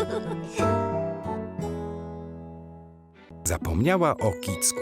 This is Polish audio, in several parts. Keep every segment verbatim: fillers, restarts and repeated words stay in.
Zapomniała o kicku.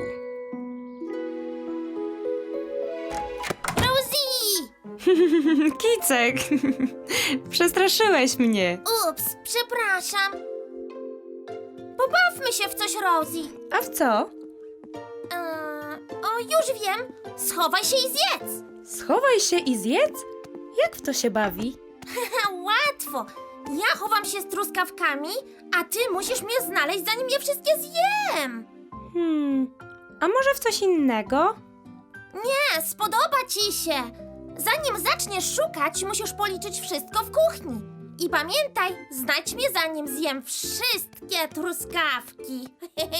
Rosie! Kicek! Przestraszyłeś mnie. Ups, przepraszam. Pobawmy się w coś, Rosie. A w co? Eee, o, już wiem. Schowaj się i zjedz. Schowaj się i zjedz? Jak w to się bawi? Łatwo. Ja chowam się z truskawkami, a ty musisz mnie znaleźć, zanim je wszystkie zjem. Hmm, a może w coś innego? Nie, spodoba ci się. Zanim zaczniesz szukać, musisz policzyć wszystko w kuchni. I pamiętaj, znajdź mnie, zanim zjem wszystkie truskawki.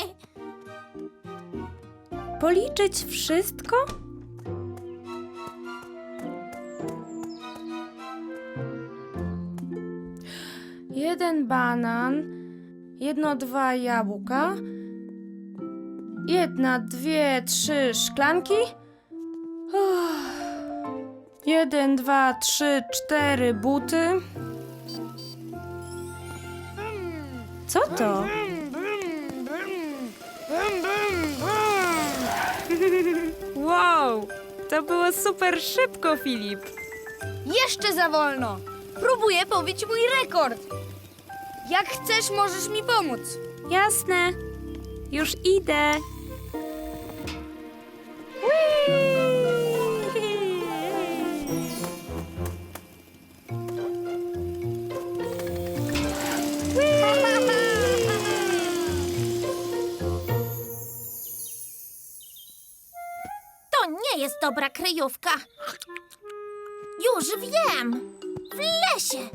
Policzyć wszystko? Jeden banan, jedno, dwa jabłka, jedna, dwie, trzy szklanki. Uff. Jeden, dwa, trzy, cztery buty. Co to? Wow, to było super szybko, Filip. Jeszcze za wolno. Próbuję pobić mój rekord. Jak chcesz, możesz mi pomóc. Jasne, już idę. To nie jest dobra kryjówka. Już wiem. W lesie.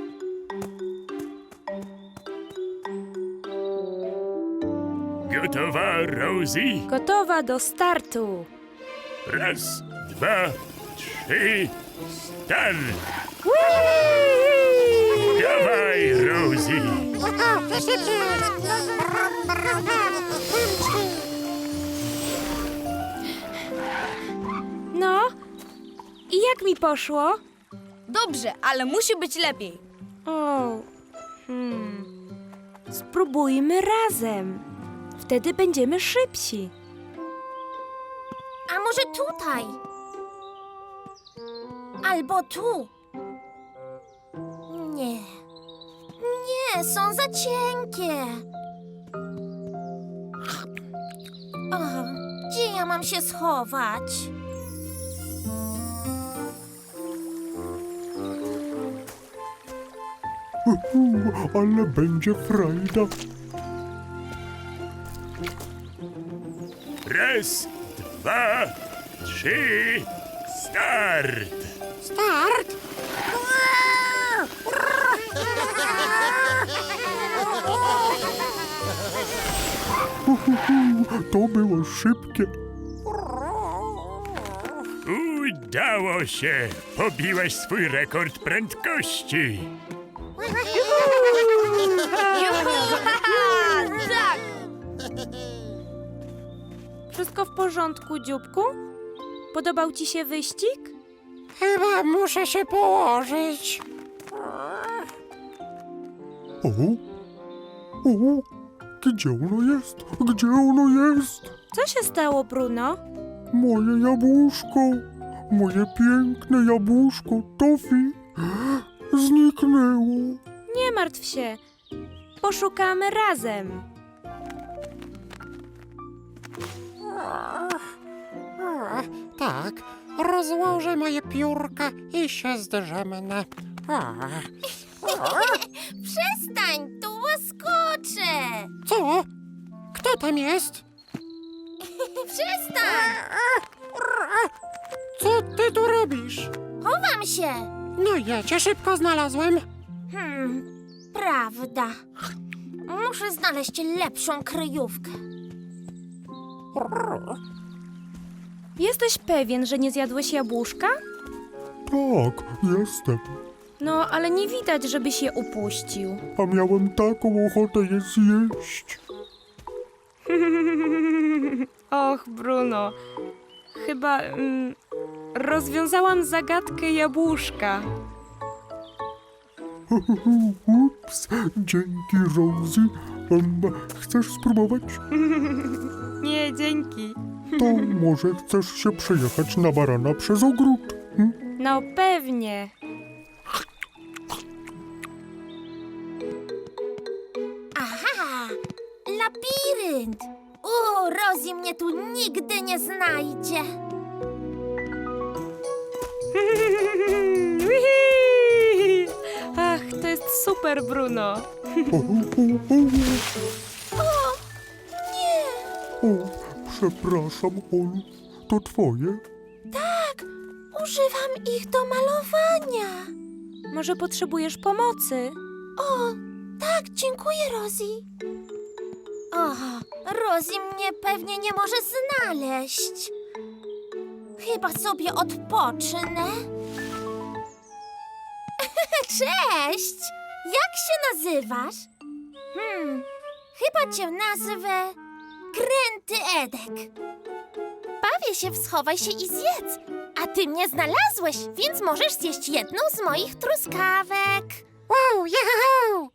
Gotowa, Rosie? Gotowa do startu. Raz, dwa, trzy, start! Dawaj, Rosie! No, i jak mi poszło? Dobrze, ale musi być lepiej. O, hmm. Spróbujmy razem. Wtedy będziemy szybsi. A może tutaj? Albo tu? Nie. Nie, są za cienkie. O, gdzie ja mam się schować? Ale będzie frajda. Raz, dwa, trzy, start! Start! To było szybkie. Udało się! Pobiłeś swój rekord prędkości! Juhu! Tak! Wszystko w porządku, dzióbku? Podobał ci się wyścig? Chyba muszę się położyć. O, o, gdzie ono jest? Gdzie ono jest? Co się stało, Bruno? Moje jabłuszko, moje piękne jabłuszko Tofi zniknęło. Nie martw się. Poszukamy razem. O, tak, rozłożę moje piórka i się zdrzemnę. O, Przestań, tu łaskoczę. co? Kto tam jest? Przestań. Co ty tu robisz? Chowam się. No ja cię szybko znalazłem. Hmm, prawda. Muszę znaleźć lepszą kryjówkę. Jesteś pewien, że nie zjadłeś jabłuszka? Tak, jestem. No, ale nie widać, żebyś je upuścił. A miałem taką ochotę je zjeść. Och, Bruno. Chyba mm, rozwiązałam zagadkę jabłuszka. Ups, dzięki, Rosie. Um, chcesz spróbować? Nie, dzięki. To może chcesz się przejechać na barana przez ogród? Hm? No pewnie. Aha! Labirynt! O, Rosie mnie tu nigdy nie znajdzie. Wihi! Ach, to jest super, Bruno. O, o, o, O, nie! o, przepraszam, Olu. To twoje? Tak, używam ich do malowania. Może potrzebujesz pomocy? O, tak, dziękuję, Rosie. O, Rosie mnie pewnie nie może znaleźć. Chyba sobie odpocznę. Cześć! Jak się nazywasz? Hmm, chyba cię nazwę Kręty Edek. Bawię się w schowaj się i zjedz, a ty mnie znalazłeś, więc możesz zjeść jedną z moich truskawek. Wow, juhu!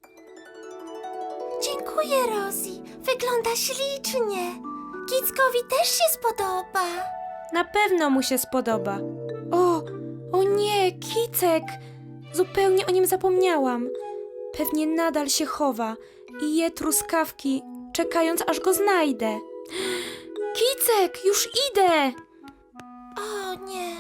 Dziękuję, Rosie. Wygląda ślicznie. Kickowi też się spodoba. Na pewno mu się spodoba. O, o nie, Kicek! Zupełnie o nim zapomniałam. Pewnie nadal się chowa i je truskawki, czekając aż go znajdę. Kicek, już idę! O nie.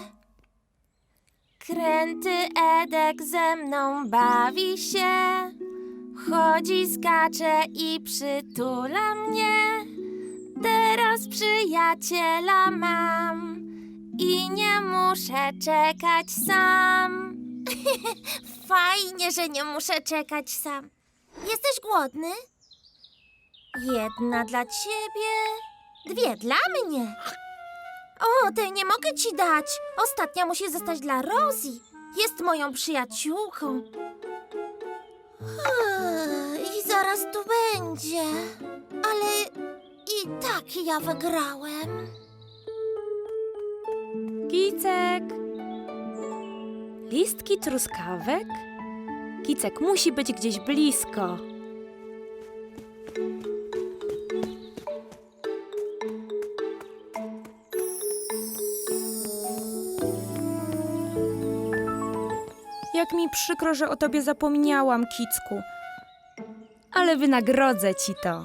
Kręty Edek ze mną bawi się. Chodzi, skacze i przytula mnie. Teraz przyjaciela mam i nie muszę czekać sam. Fajnie, że nie muszę czekać sam. Jesteś głodny? Jedna dla ciebie, dwie dla mnie. O, tej nie mogę ci dać. Ostatnia musi zostać dla Rosie. Jest moją przyjaciółką. I zaraz tu będzie. Ale i tak ja wygrałem. Kicek! Listki truskawek? Kicek musi być gdzieś blisko. Jak mi przykro, że o tobie zapomniałam, Kicku. Ale wynagrodzę ci to.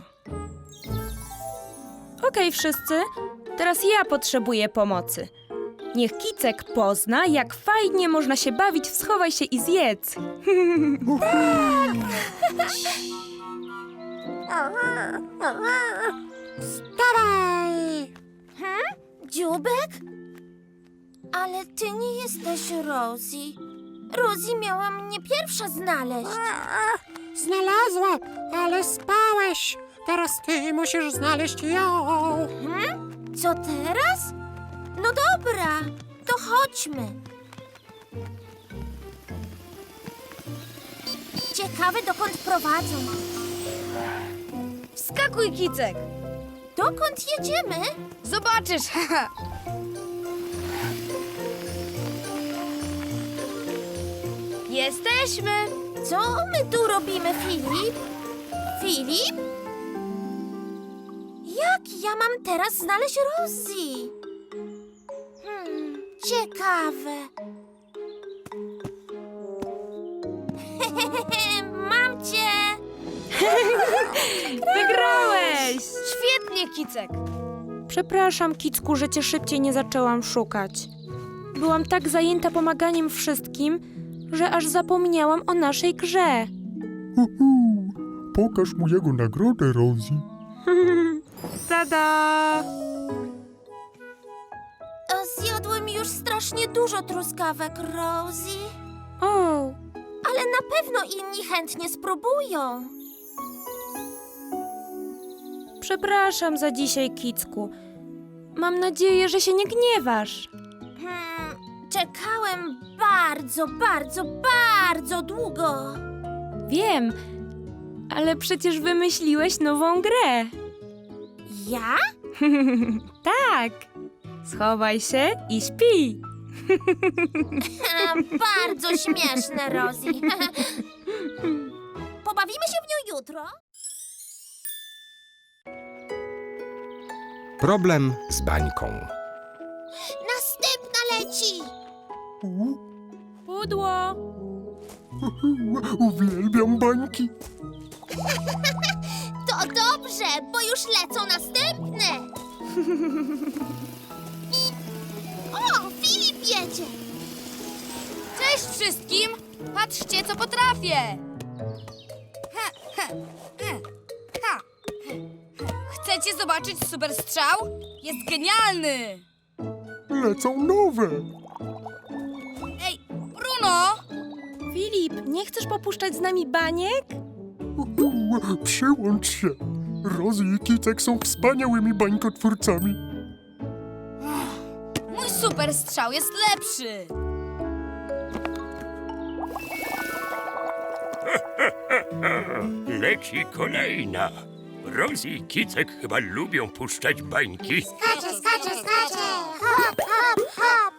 Okej, wszyscy, teraz ja potrzebuję pomocy. Niech Kicek pozna, jak fajnie można się bawić w schowaj się i zjedz. Dawaj! Dziubek? Ale ty nie jesteś Rosie. Rosie miała mnie pierwsza znaleźć. Znalazła, ale spałeś. Teraz ty musisz znaleźć ją. Hmm? Co teraz? No dobra, to chodźmy. Ciekawe, dokąd prowadzą. Wskakuj, Kicek! Dokąd jedziemy? Zobaczysz! haha. Jesteśmy! Co my tu robimy, Filip? Filip? Jak ja mam teraz znaleźć Rosie? Hmm, ciekawe. Mam cię! Wygrałeś! Świetnie, Kicek! Przepraszam, Kicku, że cię szybciej nie zaczęłam szukać. Byłam tak zajęta pomaganiem wszystkim, że aż zapomniałam o naszej grze. Uhu, pokaż mu jego nagrodę, Rosie. Tada! O, zjadłem już strasznie dużo truskawek, Rosie. O, Ale na pewno inni chętnie spróbują. przepraszam za dzisiaj, Kicku. Mam nadzieję, że się nie gniewasz. Hmm, czekałem bardzo, bardzo, bardzo długo. Wiem, ale przecież wymyśliłeś nową grę. Ja? Tak. Schowaj się i śpi. Bardzo śmieszne, Rosie. Pobawimy się w nią jutro? Problem z bańką. Następna leci! Pudło! Uwielbiam bańki. To dobrze, bo już lecą następne. O, Filip jedzie. Cześć wszystkim! Patrzcie, co potrafię! Ha, ha, ha, ha. Chcecie zobaczyć super strzał? Jest genialny! Lecą nowe. Ej, Bruno! Filip, nie chcesz popuszczać z nami baniek? Przyłącz się. Rosie i Kicek są wspaniałymi bańkotwórcami. Mój super strzał jest lepszy! Leci kolejna. Rosie i Kicek chyba lubią puszczać bańki. Skacze, skacze, skacze! Hop, hop, hop!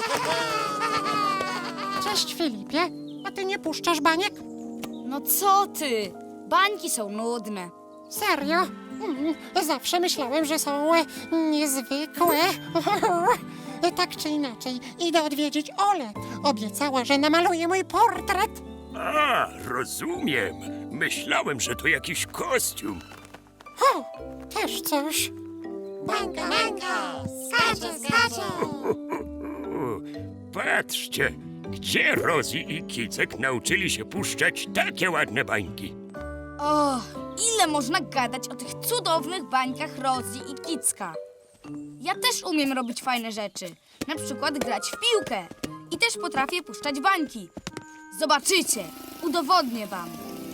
Cześć, Filipie. A ty nie puszczasz baniek? No co ty? Bańki są nudne. Serio? Mm, Zawsze myślałem, że są e, niezwykłe. Tak czy inaczej, idę odwiedzić Olę. Obiecała, że namaluje mój portret. A, rozumiem. Myślałem, że to jakiś kostium. O, też coś. Bańka, bańka! Skacze, skacze! U, patrzcie, gdzie Rosie i Kicek nauczyli się puszczać takie ładne bańki. O, ile można gadać o tych cudownych bańkach Rosie i Kicka. Ja też umiem robić fajne rzeczy. Na przykład grać w piłkę. I też potrafię puszczać bańki. Zobaczycie, udowodnię wam.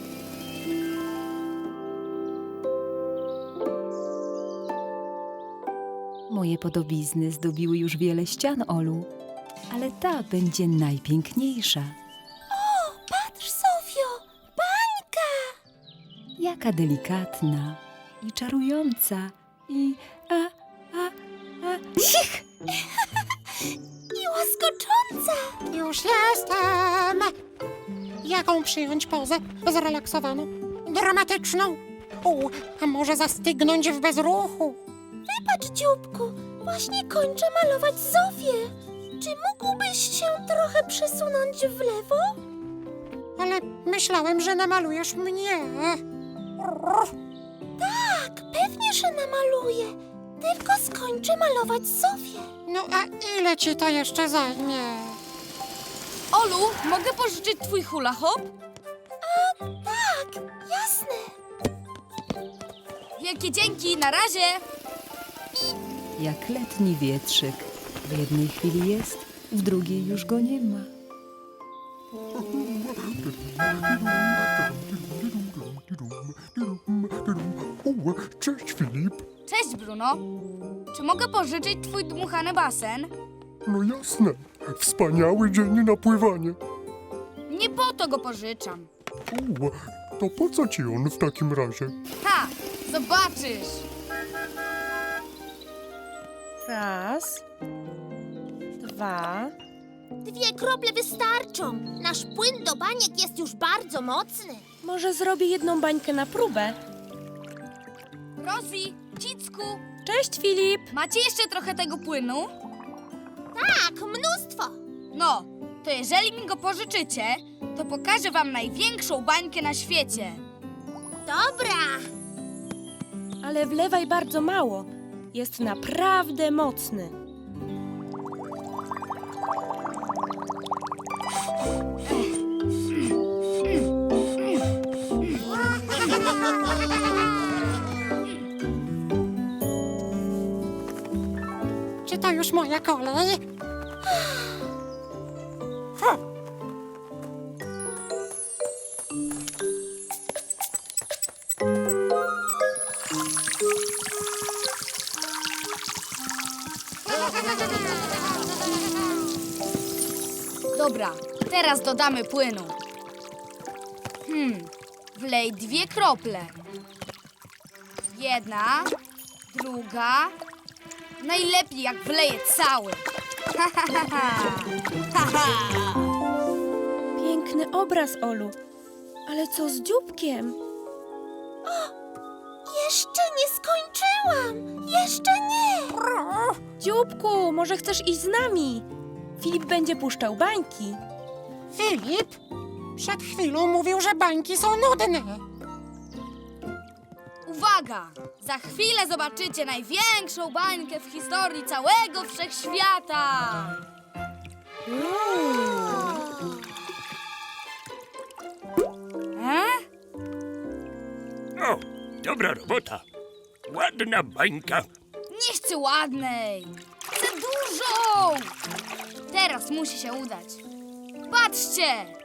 Moje podobizny zdobiły już wiele ścian, Olu, ale ta będzie najpiękniejsza. Patrz, Sofio, bańka! Jaka delikatna i czarująca i... a, a, a... Cich! I łaskocząca! Już jestem! Jaką przyjąć pozę? Zrelaksowaną? Dramatyczną? U, a może zastygnąć w bezruchu? Wybacz, dzióbku, właśnie kończę malować Zofię. Czy mógłbyś się trochę przesunąć w lewo? Ale myślałem, że namalujesz mnie. Tak, pewnie, że namaluję. Tylko skończę malować Zofię. No a ile ci to jeszcze zajmie? Olu, mogę pożyczyć twój hula hop? Tak, jasne. Wielkie dzięki, na razie! Jak letni wietrzyk. W jednej chwili jest, w drugiej już go nie ma. U, cześć, Filip. Cześć, Bruno. Czy mogę pożyczyć twój dmuchany basen? No jasne. Wspaniały dzień na pływanie. Nie po to go pożyczam. U, to po co ci on w takim razie? Ha! Zobaczysz! Raz, dwa. Dwie krople wystarczą. Nasz płyn do baniek jest już bardzo mocny. Może zrobię jedną bańkę na próbę. Rosie, Kicku, Cześć, Filip! macie jeszcze trochę tego płynu? Tak, mnóstwo. No, to jeżeli mi go pożyczycie, to pokażę wam największą bańkę na świecie. Dobra. Ale wlewaj bardzo mało. Jest naprawdę mocny. Czy to już moja kolej? Hm. Dobra, teraz dodamy płynu. Hmm, wlej dwie krople. Jedna, druga. Najlepiej jak wleję cały. Piękny obraz, Olu. Ale co z dzióbkiem? Jeszcze nie skończyłam! Jeszcze nie! Dzióbku, może chcesz iść z nami? Filip będzie puszczał bańki. Filip, przed chwilą mówił, że bańki są nudne. Uwaga! Za chwilę zobaczycie największą bańkę w historii całego wszechświata! E? O, dobra robota. Ładna bańka. Nie chcę ładnej! Chcę dużą! Teraz musi się udać. Patrzcie!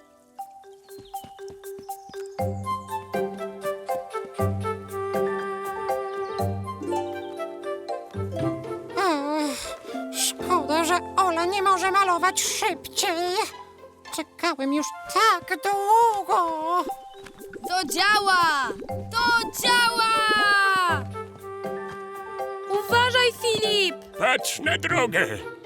Ech, szkoda, że Ola nie może malować szybciej. Czekałem już tak długo. To działa! To działa! Uważaj, Filip! Patrz na drogę.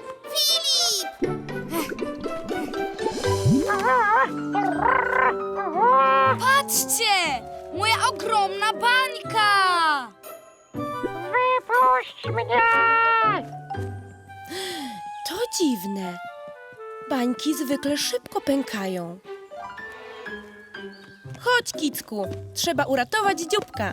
Patrzcie! Moja ogromna bańka! Wypuść mnie! To dziwne. Bańki zwykle szybko pękają. Chodź, Kicku. Trzeba uratować dzióbka.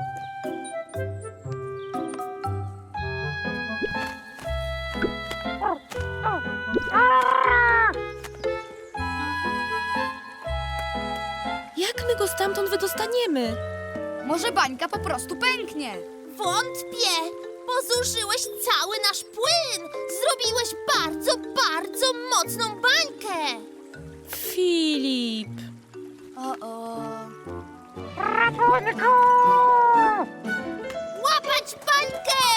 Jak my go stamtąd wydostaniemy? Może bańka po prostu pęknie. Wątpię! Pozuszyłeś cały nasz płyn! Zrobiłeś bardzo, bardzo mocną bańkę! Filip. O-o. Ratunku! Łapać bańkę!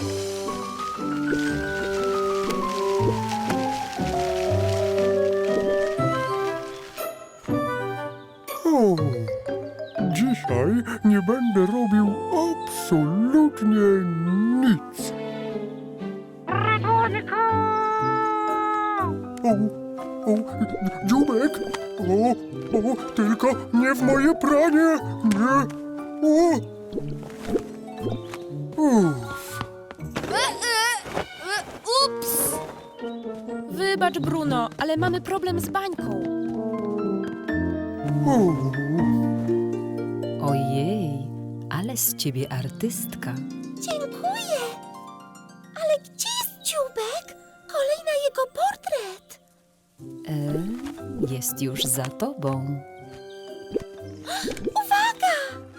O, dzisiaj nie będę robił absolutnie nic. Ratunku! O, o, dziubek! O, o, tylko nie w moje pranie! Nie! O! Uff, E, e, e, ups! Wybacz, Bruno, ale mamy problem z bańką. o. Ojej, ale z ciebie artystka. Dziękuję! Ale gdzie jest dzióbek? Kolej na jego portret! E, jest już za tobą. Uwaga!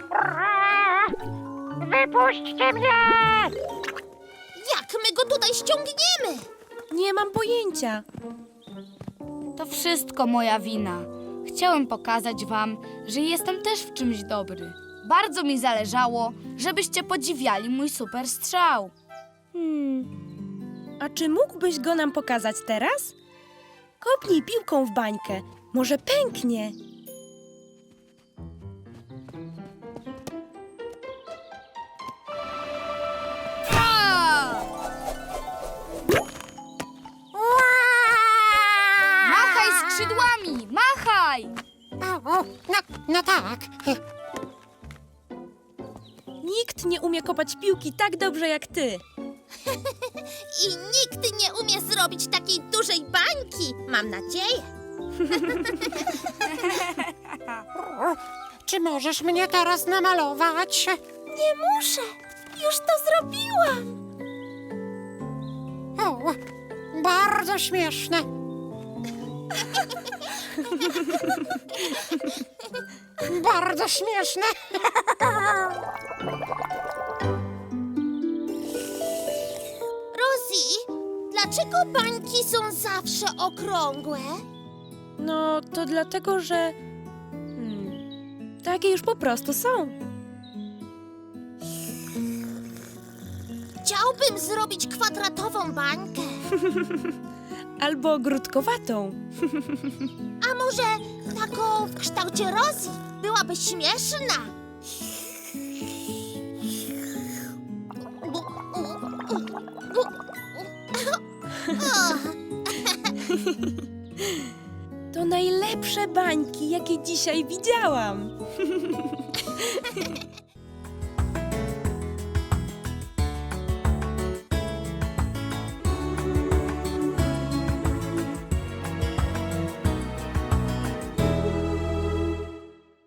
Wypuśćcie mnie! Jak my go tutaj ściągniemy? Nie mam pojęcia. To wszystko moja wina. Chciałem pokazać wam, że jestem też w czymś dobry. Bardzo mi zależało, żebyście podziwiali mój super strzał. Hmm. A czy mógłbyś go nam pokazać teraz? Kopnij piłką w bańkę. Może pęknie. A! Machaj skrzydłami! Machaj! O, o, no, no tak. Nikt nie umie kopać piłki tak dobrze jak ty. I nikt nie umie zrobić takiej dużej bańki, mam nadzieję. Czy możesz mnie teraz namalować? Nie muszę, już to zrobiłam. O, bardzo śmieszne. Bardzo śmieszne. Rosie, dlaczego bańki są zawsze okrągłe? No, to dlatego, że... Hmm, takie już po prostu są. Chciałbym zrobić kwadratową bańkę. Albo grudkowatą. A może taką w kształcie Rosie? Byłaby śmieszna. O, To najlepsze bańki, jakie dzisiaj widziałam.